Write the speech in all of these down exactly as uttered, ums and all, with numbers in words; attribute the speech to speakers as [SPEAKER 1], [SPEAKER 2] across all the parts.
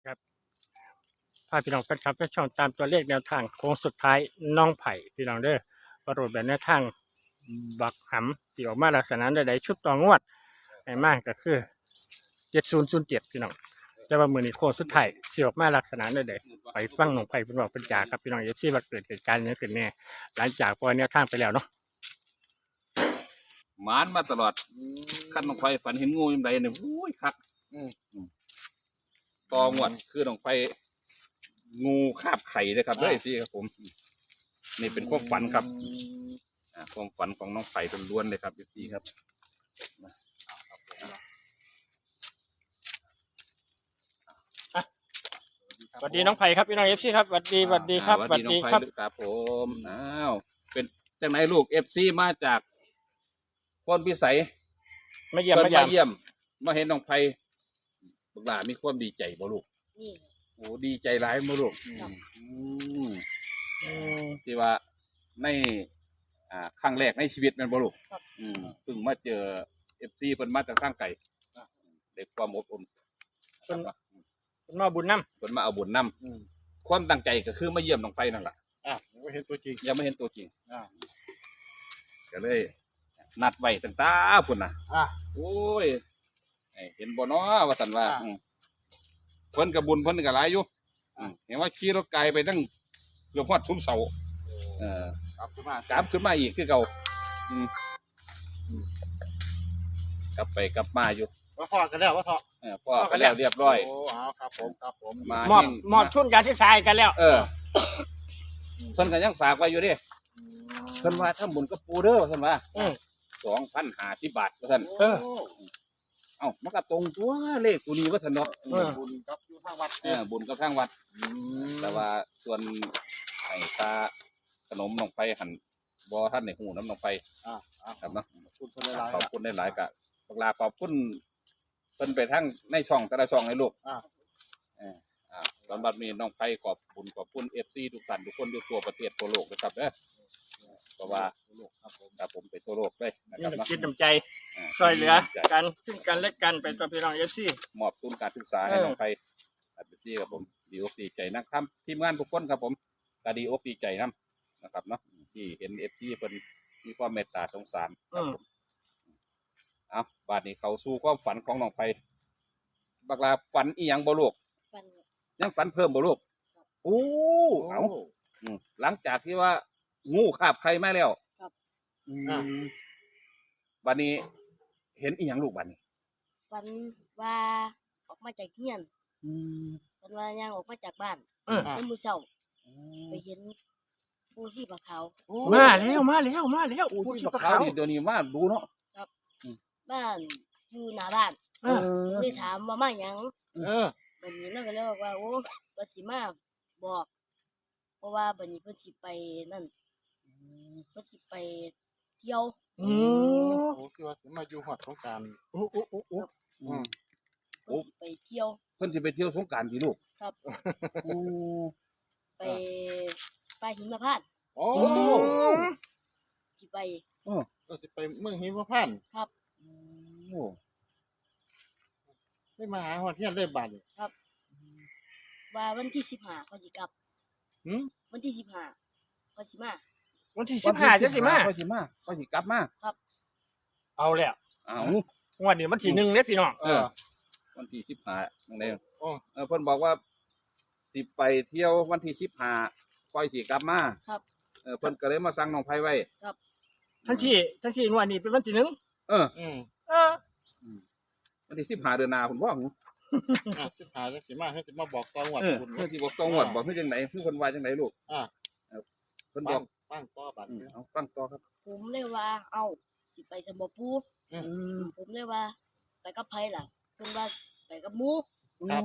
[SPEAKER 1] ครับพาพี่น้องแฟนคลับไปช่องตามตัวเลขแนวทางโค้งสุดท้ายน้องไผ่พี่น้องเด้อประโดดแบบแนวทางบักหำที่ออกมาลักษณะใดๆชุดต่องวดไอ้มากก็คือเจ็ดศูนย์ศูนย์เจ็ดพี่น้องแต่ว่ามือนี้โค้งสุดท้ายสิออกมาลักษณะใดๆไปฟังน้องไผ่เป็นบอกเป็นจ่าครับพี่น้องเอฟซีว่าเกิดเหตุการณ์นี้ขึ้นแน่หลังจากปล่อยแนวทางไปแล้วเนาะ
[SPEAKER 2] หมานมาตลอดขั้นน้องไฟฝันเห็นงูยังไงเนี่ยอุ้ยครับตอหมวดคือน้องไฟงูคาบไข่เลยครับด้วยพี่ครับผมนี่เป็นความฝันครับความฝันของน้องไฟเป็นล้วนเลยครับพี่ครับ
[SPEAKER 1] สวัสดีน้องไผ่ครับพี่น้องเอฟซีครับสวัสดีสวัสดีครับ
[SPEAKER 2] สวัสดีครับครับผมอ้าวเป็นจากไหนลูกเอฟซีมาจากคนพิสัย
[SPEAKER 1] มาเยี่ยม
[SPEAKER 2] มาเยี่ยมมาเห็นน้องไผ่บุกหลามีความดีใจบ่ลูกนี่โอ้ดีใจร้ายบ่ลูกที่ว่าในอ่าครั้งแรกในชีวิตมันบ่ลูกเพิ่งมาเจอเอฟซีเพิ่นมาจากข้างไก่เด็กความอบอุ่น
[SPEAKER 1] เพิ่นมาบุญน้
[SPEAKER 2] ำเพิ่นมาเอาบุญน้ำความตั้งใจก็คือมาเยี่ยมน้องไผ่นั่นแหละ
[SPEAKER 3] อ่ะยังไม่เห็นตัวจริง
[SPEAKER 2] ยังไม่เห็นตัวจริงอ่าก็เลยนัดไว้ตั้งตาพุ่นน่ะอ่ะโอ้ยเห็นบ่เนาะว่าสันว่าเพิ่นกับบุญเพิ่นกับหลายอยู่เห็นว่าขี่รถไกลไปตั้งเกือบฮอดซุ้มเสาเออกลับขึ้นมากลับขึ้นมาอีกคือเก่ากลับไปกลับมาอยู่
[SPEAKER 3] ว่าพ่อกันแล้วว่าพ่อ
[SPEAKER 2] เออพ่อกันแล้วเรียบร้อย
[SPEAKER 3] โอ้เอาครับผมครับผม
[SPEAKER 1] มามอบมอบทุนการศึกษากันแล้ว
[SPEAKER 2] เออเพิ่นก็ยังฝากไว้อยู่ดิเพิ่นว่าถ้าบุญกับปูเด้อเพิ่นว่าสองพันห้าสิบบาทว่าท่านเออเอ้ามันก็ตรงตัวเลขตัวนี้ว่าท่านเนาะ
[SPEAKER 3] บุญกับอยู่ทางวัด
[SPEAKER 2] เออบุญกับทางวัดแต่ว่าส่วนไอ้ตาขนมน้องไฟหันบ่ท่านในหูน้ำน้องไฟอ่าครับเนาะขอบคุณได้หลายกะบักลาขอบคุณเพิ่นไปทั้งในช่องแต่ละช่องให้ลูกอ่าอ่าตอนบัดนี้น้องไฟขอบคุณขอบคุณเอฟซีทุกท่านทุกคนอยู่ทั่วประเทศทั่วโลกนะครับเด้อเพราะว่าครับผมครับผมไปทั่วโลกเลย
[SPEAKER 1] นะครับคิดน้ำใจช่วยเหลือกันซึ่งกันและกันเป็นตัวพี่น้องเอฟซี
[SPEAKER 2] มอบทุนการศึกษาให้น้องไฟเอฟซีครับผมดีอกดีใจนะครับทีมงานทุกคนครับผมก็ดีอกดีใจนะนะครับเนาะที่เห็นเอฟซีเป็นมีความเมตตาสงสารครับผมเอาบาดนี้เขาสู้ความฝันของน้องไฟบักลาฝันอีหยังบ่ลูกยังฝันเพิ่มบ่ลูกโอ้เอาหลังจากที่ว่างูคาบไข่มาแล้วบัดนี้เห็นอีหยังลูกบัดนี้
[SPEAKER 4] ฝันว่าออกมาจากเฮียนฝันว่าย่างออกมาจากบ้านในมือเช้าไปเห็นปูชีพขาว
[SPEAKER 1] มาแล้วมาแล้วมาแล้ว
[SPEAKER 2] ปูชีพขาวเดี๋ยวนี้มาดูเนาะ
[SPEAKER 4] ครับบ้านอยู่หน้าบ้านเลยถามว่ามาหยังเออบัดนี้นั่นก็เลยบอกว่าโอ้บัดสิมาบอกเพราะว่าบัดนี้เพิ่นสิไปนั่นเพิ่นสิไปเที่ยว
[SPEAKER 3] อืมโอ้คือว่าสิมาอยู่ฮอดสงกรานต์โอ้โอ้โอ้โอ้
[SPEAKER 4] อืมเพิ่นสิไปเที่ยว
[SPEAKER 2] เพิ่นสิไปเที่ยวสงกรานต์สิลูก
[SPEAKER 4] ครับโอ้ไปไปหิมพานต์
[SPEAKER 3] โอ้
[SPEAKER 4] สิไป
[SPEAKER 3] เออก็สิไปเมืองหิมพานต์
[SPEAKER 4] ครับ
[SPEAKER 3] โอ้ได้มาหาฮอดเฮียนได้บัดนี่
[SPEAKER 4] ครับว่าวันที่สิบห้าเขาสิกลับหือวันที่สิบห้าเขาสิมา
[SPEAKER 1] วันที่สิบห้าจะสิมา
[SPEAKER 2] ก็สิมาก็สิกลับมา
[SPEAKER 4] ครับ
[SPEAKER 1] เอาแล้ว
[SPEAKER 2] เอา
[SPEAKER 1] วันนี้วันที่หนึ่งเนี่ยพี่น้อง
[SPEAKER 2] เออวันที่สิบห้านั่นเองเออเพิ่นบอกว่าสิไปเที่ยววันที่สิบห้าค่อยสิกลับมา
[SPEAKER 4] ครับ
[SPEAKER 2] เออเพิ่นก็เลยมาสั่งน้องไผไว้
[SPEAKER 4] ครับ
[SPEAKER 1] ทั้งที่ทั้งที่วันนี้เป็นวันที่หนึ่ง
[SPEAKER 2] เอออืมเออวันที่สิบห้าเดือนหน้าพุ่นบ่
[SPEAKER 3] อ่ะสิบห้าจังสิมาให้สิมาบอกตองวด
[SPEAKER 2] พุ่นเพิ่นสิบอกตองวดบอกคือจังได๋คือเพิ่นว่าจังได๋ลูกอ่าเพิ่นบอก
[SPEAKER 3] ฟังต่อบัด
[SPEAKER 2] เอาฟังต่อครับ
[SPEAKER 4] ผมเลยว่าเอาสิไปสมบูผมเลยว่าไปกับไผล่ะเพิ่นว่าไปกับหมู
[SPEAKER 3] ครับ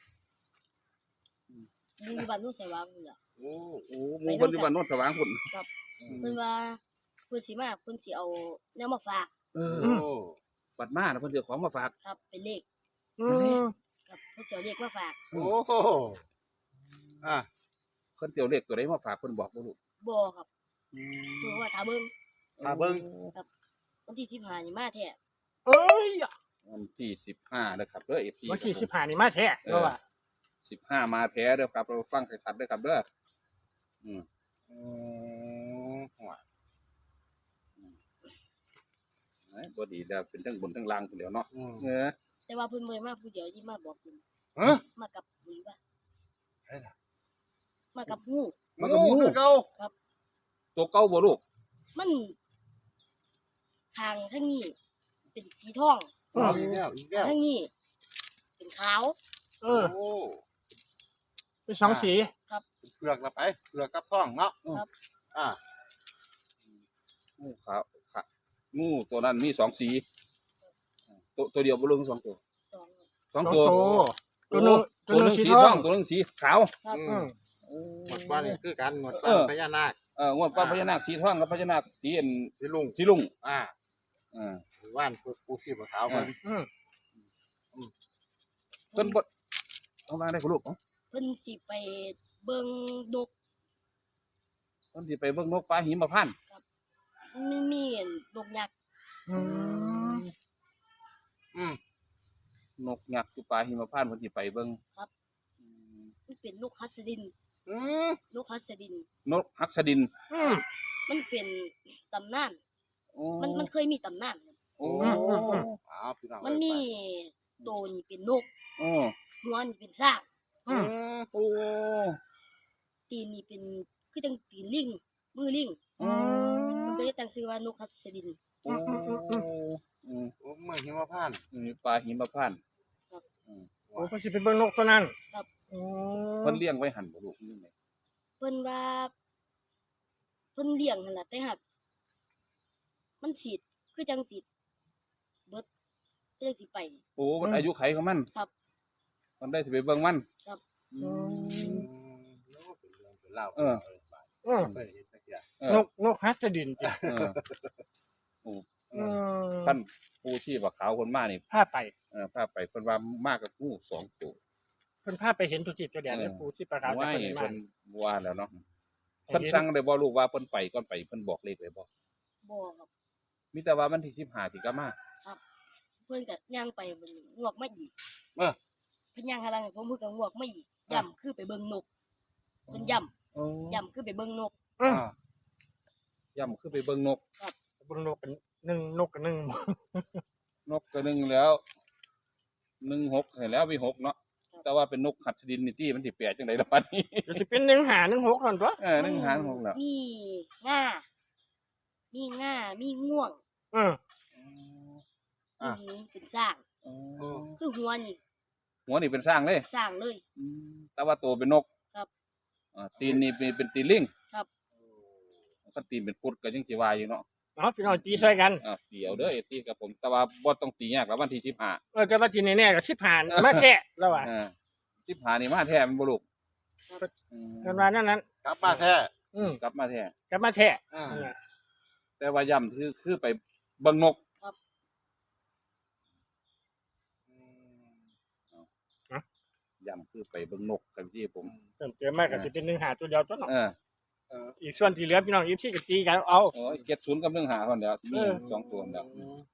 [SPEAKER 4] หมู่บ้านโนนสว่างนี่ล่ะ
[SPEAKER 2] โอ้โหหมู่บ้านอยู่บ้านโนนสว่างพุ่น
[SPEAKER 4] ครับเพิ่นว่าเพิ่นสิมาเพิ่นสิเอาแนวมาฝาก
[SPEAKER 2] เออบัดมาเพิ่นสิเอาของมาฝาก
[SPEAKER 4] ครับเป็นเลขอืมครับเพิ่นสิเอาเลขมาฝาก
[SPEAKER 3] โอ้อ่ะ
[SPEAKER 2] เพิ่นสิเอาเลขตัวใดมาฝากเพิ่นบอกบ่ลูก
[SPEAKER 4] บ่ครับเพิ่นว่าถ้าเบิ่ง
[SPEAKER 3] ถ้าเบิ่ง
[SPEAKER 4] ครับวันที่สิบห้านี่มาแท้
[SPEAKER 1] เอ้ย
[SPEAKER 2] วันที่สิบห้านะครับเด้อ เอฟ ซี
[SPEAKER 1] วันที่สิบห้านี่มาแท้เพราะว่า
[SPEAKER 2] สิบห้ามาแท้เด้อครับเราฟังให้ชัดเด้อครับเด้ออืม
[SPEAKER 3] อืมหัว
[SPEAKER 2] เอ้ยบ่ดีแล้วเป็นทั้งบนทั้งล่างคนเดียวเนาะ
[SPEAKER 3] อืม
[SPEAKER 2] เออ
[SPEAKER 4] แต่ว่าเพิ่นบ่ได้มาผู้เดียวที่มาบอกเพิ่น
[SPEAKER 3] ฮะ
[SPEAKER 4] มากับหรือว่า
[SPEAKER 3] ไอ้ล่ะ
[SPEAKER 4] มากับงู
[SPEAKER 2] มันก็งู
[SPEAKER 3] คือเก่า
[SPEAKER 2] ตัวเก่าบ่ลูก
[SPEAKER 4] มันทางทางนี้เป็นสีทอง
[SPEAKER 3] เอาอีกแล้วอีกแล้ว
[SPEAKER 4] ทางนี้เป็นขาว
[SPEAKER 1] เออ
[SPEAKER 3] โอ้
[SPEAKER 1] เป็นสองสี
[SPEAKER 3] เปลือกละไปเปลือกกับท้องเนาะ
[SPEAKER 4] ครับ
[SPEAKER 3] อ่า
[SPEAKER 2] งูขาวขาวงูตัวนั้นมีสองสีตัวตัวเดียวบ่ลูกมีสองตัว
[SPEAKER 4] สอง
[SPEAKER 2] สอง
[SPEAKER 1] สอง
[SPEAKER 2] ตัว
[SPEAKER 1] ตัวตัวหนึง
[SPEAKER 2] ตั
[SPEAKER 1] ตัว วห
[SPEAKER 2] ห
[SPEAKER 1] นึ
[SPEAKER 2] นึ
[SPEAKER 1] ง
[SPEAKER 2] ง
[SPEAKER 1] สี
[SPEAKER 2] สี
[SPEAKER 1] ท
[SPEAKER 2] ท
[SPEAKER 1] อ
[SPEAKER 2] อง งตัวหนึงสีขาว
[SPEAKER 4] ครับ
[SPEAKER 3] อืมหมดบ้านนี่คือกันหมด
[SPEAKER 2] เอ
[SPEAKER 3] บ้าน
[SPEAKER 2] อ
[SPEAKER 3] พญานาค
[SPEAKER 2] เอองวดป้าพญานาคสีทองกับพญานาคสีอัน
[SPEAKER 3] สิลุง
[SPEAKER 2] สีลุง
[SPEAKER 3] อ่า
[SPEAKER 2] เออ
[SPEAKER 3] ว่านปูปูขี้ปลาขาวมัน
[SPEAKER 1] อืม
[SPEAKER 2] เพิ่นบ่เอามาได้บ่ลูกเอ้า
[SPEAKER 4] เพิ่นสิไปเบิ่งนก
[SPEAKER 2] เพิ่นสิไปเบิ่งนกปลาหิมพานต์
[SPEAKER 4] มันมีนกยักษ์
[SPEAKER 1] อืม
[SPEAKER 3] อืม
[SPEAKER 2] นกยักษ์อยู่ปลาหิมพานต์เพิ่นสิไปเบิ่ง อืม
[SPEAKER 4] มันเป็นนกฮัสดิน
[SPEAKER 3] อืม
[SPEAKER 4] นกฮัสดิน
[SPEAKER 2] นกฮักสดิน
[SPEAKER 1] อืม
[SPEAKER 4] มันเป็นตำนาน
[SPEAKER 2] โอ้
[SPEAKER 4] มันมันเคยมีตำนานครับ
[SPEAKER 2] โอ้
[SPEAKER 3] เอาพี่น้อง
[SPEAKER 4] มันมีโตวนี่เป็นนก
[SPEAKER 2] โอ้
[SPEAKER 4] หัวนี่เป็นสร้าง
[SPEAKER 3] อืม
[SPEAKER 2] โอ้
[SPEAKER 4] ตีนนี่เป็นคือจังตีนลิงมือลิง
[SPEAKER 2] อืม
[SPEAKER 4] มันก็เลยตั้งชื่อว่านกฮัสดิน
[SPEAKER 2] โอ้อืม
[SPEAKER 3] โอ้เมื่อหิมพานต์
[SPEAKER 2] อืมปลาหิมพานต์
[SPEAKER 1] โอ้เพิ่นสิไปเบิ่งนกตัวนั้นอืม
[SPEAKER 2] เพิ่นเลี้ยงไว้หั่นบ่ลูกนี่ไง
[SPEAKER 4] เพิ่นว่าเพิ่นเลี้ยงนั่นแหละแต่หักมันฉีดคือจังสิเบิดคือจังสิไป
[SPEAKER 2] โอ้มันอายุไขของมัน
[SPEAKER 4] ครับ
[SPEAKER 2] มันได้สิไปเบิ่งมัน
[SPEAKER 4] ครับ
[SPEAKER 2] อื
[SPEAKER 3] อื
[SPEAKER 2] ม
[SPEAKER 3] มโอ้เป็นเรื่องเป็นเล่าว
[SPEAKER 2] เออ
[SPEAKER 1] อืม
[SPEAKER 3] เคยเห็นสักอย่าง
[SPEAKER 2] เออน
[SPEAKER 1] กนกฮัสดินจ้ะ
[SPEAKER 2] เออ
[SPEAKER 1] อืม
[SPEAKER 2] ท่านผู้ที่ว่าขาวคนมานี่
[SPEAKER 1] พาไป
[SPEAKER 2] เออพาไปเพิ่นว่ามากกับงูสองตัว
[SPEAKER 1] เพิ่นพาไปเห็นทุกจิตตัวแดน
[SPEAKER 2] เออ
[SPEAKER 1] เลยปูที่ประกาศแต่
[SPEAKER 2] ว่า
[SPEAKER 1] เพิ่น
[SPEAKER 2] เพิ่
[SPEAKER 1] มาน
[SPEAKER 2] ว่าแล้วเนาะ
[SPEAKER 1] ให้
[SPEAKER 2] เพิ่น
[SPEAKER 1] เห็น
[SPEAKER 2] สั่งได้บ่ลูกว่าเพิ่นไปก่อนไปเพิ่นบอกเลขไว้บ่
[SPEAKER 4] บ่ครับ
[SPEAKER 2] มีแต่ว่าวันที่สิบห้าสิกลับมา
[SPEAKER 4] เพิ่นก็ย่างไปเบิ่งงวกมาอีก
[SPEAKER 3] เออ
[SPEAKER 4] เพิ่นย่างหาลังให้ผมเพิ่นก็งวกมาอีกย่ำคือไปเบิ่งนกเพิ่นย่
[SPEAKER 2] โอ้
[SPEAKER 4] ำย่ำคือไปเบิ่งนก
[SPEAKER 1] อืม
[SPEAKER 3] อ่า
[SPEAKER 2] ย่ำคือไปเบิ่งนก
[SPEAKER 1] เบิ่งนกเป็นหนึ่งนกกับหนึ่ง
[SPEAKER 2] นกก็หนึ่งแล้วหนึ่งหกเห็นแล้วมีหกเนาะแต่ว่าเป็นนกหัดดินนี่ที่มันสิแปลกจังไดล่ะบัดนี้
[SPEAKER 1] เดี๋ยวสิเป็นหนึ่งหาหนึ่งหกนั่นตัว
[SPEAKER 2] เออหนึ่งหางหกแล้ว
[SPEAKER 4] มีง่ามีง่ามีง่วง
[SPEAKER 1] อืม
[SPEAKER 4] มีหญิงเป็นสร้าง
[SPEAKER 2] อ๋อ
[SPEAKER 4] คือหัวนี่
[SPEAKER 2] หัวนี่เป็นสร้างเลย
[SPEAKER 4] สร้างเลย
[SPEAKER 2] อืมแต่ว่าตัวเป็นนก
[SPEAKER 4] ครับ
[SPEAKER 2] อ่าตีนนี่เป็นเป็นตีนลิง
[SPEAKER 4] ครับ
[SPEAKER 2] ก็ตีนเป็นกุดก็ยังสิว่าอยู่เนาะ
[SPEAKER 1] เอาพี่น้องตีใส่กัน
[SPEAKER 2] อ่าเดี๋ยวเด้อเอที่กับผมแต่ว่าบ่ต้องตียากแล้ววันที่สิบห้า
[SPEAKER 1] เออแต่ว่าทีแน่ๆกับสิบผ่านมาแท้แล้วว่ะ
[SPEAKER 2] เออสิบห้านี่มาแท้มันบ่ลูก
[SPEAKER 4] ครับ
[SPEAKER 2] อืม
[SPEAKER 1] กันว่านั่นนั้น
[SPEAKER 3] กลับมาแท้
[SPEAKER 1] อืม
[SPEAKER 2] กลับมาแท้
[SPEAKER 1] กลับมาแท้
[SPEAKER 3] อ่า
[SPEAKER 1] เนี่ย
[SPEAKER 2] แต่ว่าย่ำคือคือไปเบิ่งนก ย่ำคือไปเบิ่งนกกันที่ผม
[SPEAKER 1] เติมเติมมากกับสิเป็นหนึ่งหาตัวเดียวตัวเนาะ
[SPEAKER 2] เออ
[SPEAKER 3] เออ
[SPEAKER 1] อีกส่วนที่เหลือพี่น้องอีฟซี่กับตีกันเอา
[SPEAKER 2] โอ้ยเจ็ดศูนย์กับหนึ่งหาคนเดียวมี
[SPEAKER 1] เออ
[SPEAKER 2] สองตัวเดียวน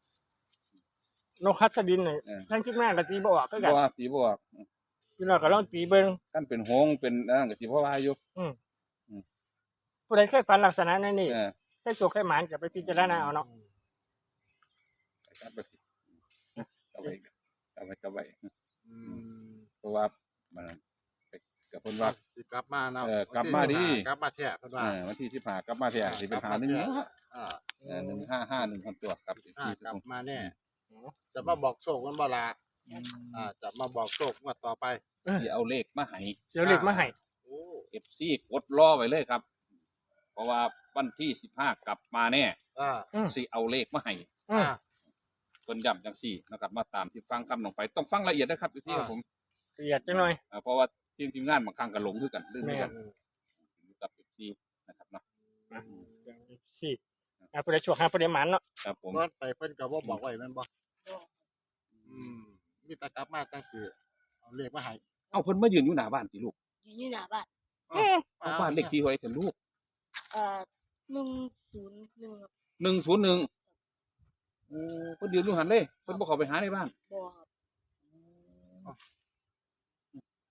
[SPEAKER 1] กฮัสดินเนี่ย
[SPEAKER 2] เออ
[SPEAKER 1] ทั้งคิดมากกับตีบ่ออกก็กัน
[SPEAKER 2] บ่ว่าสีบ่ว่า
[SPEAKER 1] พี่น้องก็ลองตีเบิ่ง
[SPEAKER 2] กันเป็นหงส์เป็นอันนั่นก็สิบ่ว่าอยู่
[SPEAKER 1] ผู้ใดเคยฝันลักษณะนั้นนี่
[SPEAKER 2] เออ
[SPEAKER 1] เคยโศกเคยหมานจะไปพิจารณาเอาเนาะ
[SPEAKER 2] กลับไปกลับไปกลับไปกลับไป
[SPEAKER 3] อืม
[SPEAKER 2] เพราะว่ามันกับเพิ่นว่า
[SPEAKER 3] สิกลับมาเนาะ
[SPEAKER 2] เออกลับมาดิ
[SPEAKER 3] กลับมาแท้เพิ่น
[SPEAKER 2] เอ
[SPEAKER 3] ว่า
[SPEAKER 2] อวันที่สิบห้ากลับมาแท้สิเป็นหาหนึ่ง
[SPEAKER 3] อ่า
[SPEAKER 2] เออหนึ่งห้าห้าหนึ่งคนตัวครับ
[SPEAKER 3] อ่ากลับมาแน่
[SPEAKER 1] อืม
[SPEAKER 3] จะมาบอกโชคมันบ่ล่ะอ่าจะมาบอกโชคงวดต่อไป
[SPEAKER 2] สิเอาเลขมาให้
[SPEAKER 1] เดี๋ยวเล็กมาให้
[SPEAKER 3] โอ้
[SPEAKER 2] เอฟซีกดรอไว้เลยครับ เพราะว่าวันที่สิบห้ากลับมาแน่
[SPEAKER 3] อ่า
[SPEAKER 2] สิเอาเลขมาให้
[SPEAKER 1] อืม
[SPEAKER 3] อ่า
[SPEAKER 2] เพิ่นย้ำจังซี่นะครับมาตามที่ฟังคำลงไปต้องฟังละเอียดนะครับพี่ที่ครับผม
[SPEAKER 1] ละเอียดจังหน่อย
[SPEAKER 2] อ่าเพราะว่าทีมทีมงานบางครั้งก็หลงคือกันลืมคือกัน
[SPEAKER 1] แม่
[SPEAKER 2] อยู่กับพี่ที่นะครับเนาะ
[SPEAKER 1] สี่อ่ะผู้ใดโชคหาผู้ใดหมานเนาะ
[SPEAKER 2] ครับผม
[SPEAKER 3] ก่อนไปเพิ่นก็บ่บอกไว้แม่นบ่
[SPEAKER 4] บ่
[SPEAKER 3] อืมมีแต่กลับมาจังคือเอาเลขมาให้
[SPEAKER 2] เอ้าเพิ่นมายืนอยู่หน้าบ้านสิลูก
[SPEAKER 4] อยู่อยู่หน้าบ้าน
[SPEAKER 2] เอาบ้านเลขที่ไว้เถอะลูก
[SPEAKER 4] เอ่อหนึ่งศูนย์หนึ่งครับ
[SPEAKER 2] หนึ่งศูนย์หนึ่งโอ้เพิ่นยืนอยู่หันเลยเพิ่นบ่เข้าไปหาในบ้าน
[SPEAKER 4] บ่ครับ
[SPEAKER 3] พ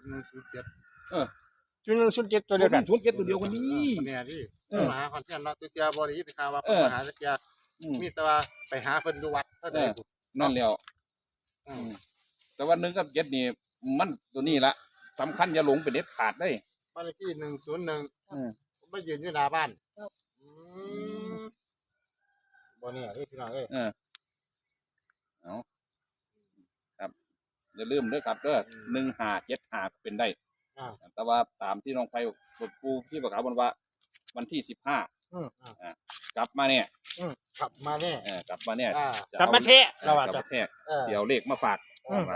[SPEAKER 3] หนึ่งศูนย์เจ็ด
[SPEAKER 1] จุดหนึ่งศูนย์เจ็ดตัวเดียวกัน
[SPEAKER 2] ศูนย์เจ็ดตัวเดียวกันนี่
[SPEAKER 3] เนี่ยที่
[SPEAKER 1] เออ
[SPEAKER 3] มาหาคอนเทนต์เนาะตัวเจียบริยิตข่าวว่า
[SPEAKER 2] เออ
[SPEAKER 3] มาหาตัวเจีย
[SPEAKER 2] อืม
[SPEAKER 3] มีแต่ว่าไปหาเพิ่นอยู่วัดก็ได้
[SPEAKER 2] เออ นั่นแล้ว
[SPEAKER 3] อืม
[SPEAKER 2] แต่ว่าหนึ่งกับเจ็ดนี่มันตัวนี้ละสำคัญอย่าหลงเป็นเด็ดขาดได้
[SPEAKER 3] บ้านเลขที่หนึ่งศูนย์หนึ่ง
[SPEAKER 2] อืม
[SPEAKER 3] ผมไปยืนอยู่หน้าบ้าน
[SPEAKER 4] ครับ
[SPEAKER 3] อืมบ่เนี่ยเอ้ยพี่น้องเอ้ย
[SPEAKER 2] เออเอาครับอย่าลืมเด้อครับเด้อหนึ่งห้าเจ็ดห้าเป็นได้
[SPEAKER 3] อ่า
[SPEAKER 2] แต่ว่าตามที่น้องไฟปูที่ประกาศบนว่า วันที่สิบห้า
[SPEAKER 1] อืม
[SPEAKER 2] กลับมาเนี่ย
[SPEAKER 3] ขับมาแน่
[SPEAKER 2] เออกลับมาเนี่ย
[SPEAKER 3] อ่า
[SPEAKER 2] จะ
[SPEAKER 1] กลับมาเทะ
[SPEAKER 2] เอ
[SPEAKER 1] เรา
[SPEAKER 2] อ
[SPEAKER 1] ว่าก
[SPEAKER 2] ลับ
[SPEAKER 1] จะ
[SPEAKER 2] มาแทก
[SPEAKER 3] เออ
[SPEAKER 2] เสียวเลขมาฝาก
[SPEAKER 1] อืม
[SPEAKER 2] ว่า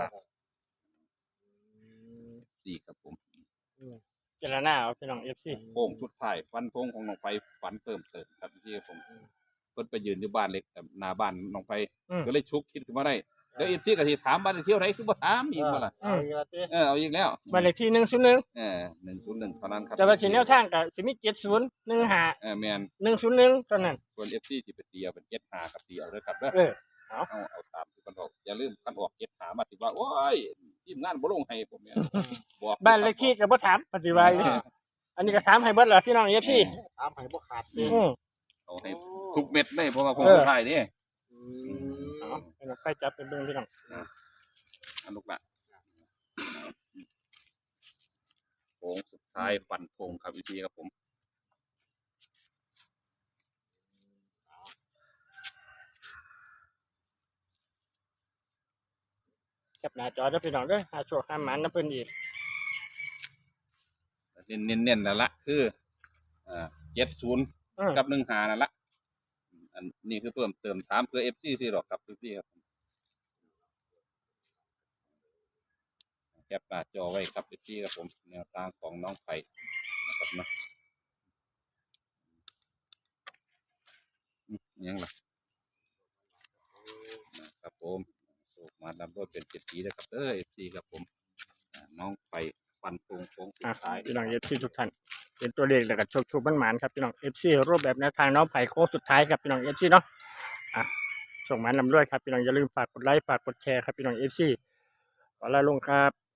[SPEAKER 2] ดีครับผม
[SPEAKER 1] เจรนาเอาพี่น้องเอฟซี
[SPEAKER 2] โค้งสุดท้ายฟันธงของน้องไฟฝันเติมเติมครับที่ผมเพิ่นไปยืนอยู่บ้านเล็กแบบหน้าบ้านน้องไฟก็เลยชุกคิดขึ้นมาได้เดี๋ยวเอฟซีก็สิถามบ้านเลขที่เท่าไหร่คือบ่ถามอีกบ่ล่ะ
[SPEAKER 3] เอาอีกแล้วเต้
[SPEAKER 2] เออเอาอีกแล้ว
[SPEAKER 1] บ้านเลขที่หนึ่งศูนย์หนึ่ง
[SPEAKER 2] เออหนึ่งศูนย์หนึ่งเท่านั้นครับ
[SPEAKER 1] แต่ว่าสิแนวทางกับสิมีเจ็ดศูนย์หนึ่งห้า
[SPEAKER 2] เออแมน
[SPEAKER 1] หนึ่งศูนย์หนึ่งตอนนั้น
[SPEAKER 2] ส่วนเอฟซีสิไปตีเอาเป็นเจ็ดหากับตีเอาเด้อครับเด้อ
[SPEAKER 1] เออ
[SPEAKER 2] เอาเอาตามที่มันบอกอย่าลืมคันออกเจ็ดหามาสิว่าโอ้ยทีมงานบ่ลงให้ผมเนี่ยบอก
[SPEAKER 1] บ้านเลขที่กับบ่ถามปฏิวัยอันนี้ก็ถามให้เบิดเหรอพี่น้องเอฟซี
[SPEAKER 3] ถามให้บ่ขาดเต้
[SPEAKER 1] อืม
[SPEAKER 2] เอาให้ทุกเม็ดเลยเพราะว่าคง
[SPEAKER 1] เออ
[SPEAKER 2] สุดท้ายนี่
[SPEAKER 3] อื
[SPEAKER 1] เอา
[SPEAKER 3] ม
[SPEAKER 1] ให้น้องไฟจับเป็นเบิ่งพี่น้อง
[SPEAKER 2] อันลูกละโค้งสุดท้ายฟันธงครับพี่พี่ครับผม
[SPEAKER 1] แคปหน้าจอเด้อพี่น้องเด้อหาโชคหาหมานน้ำเพิ่นอีก
[SPEAKER 2] เน้นเน้นเน้นนั่นละคืออ่าเจ็ดศูนย์
[SPEAKER 1] อืม
[SPEAKER 2] กับหนึ่งหานั่นละอันนี้คือเพิ่มเติมถามเพื่อเอฟซีที่หรอกครับพี่พี่ครับแคปหน้าจอไว้ครับพี่พี่ครับผมแนวทางของน้องไผ่นะครับเนาะอืมยังล่ะนะครับผมโศกมาดำด้วยเป็นเจ็ดสีนะครับเออเอฟซีครับผมอ่าน้องไผ่ฟันธงโค้งสุ
[SPEAKER 1] อ่ะ
[SPEAKER 2] ดท้าย
[SPEAKER 1] พี่น้องเอฟซีทุกท่านเป็นตัวเลขแล้วก็โชคโชคหมานๆครับพี่น้องเอฟซีรูปแบบแนวทางน้องไผ่โค้งสุดท้ายครับพี่น้องเอฟซีเนาะอ่ะส่งหมานนำด้วยครับพี่น้องอย่าลืมฝากกดไลค์ฝากกดแชร์ครับพี่น้องเอฟซีขอลาลงครับ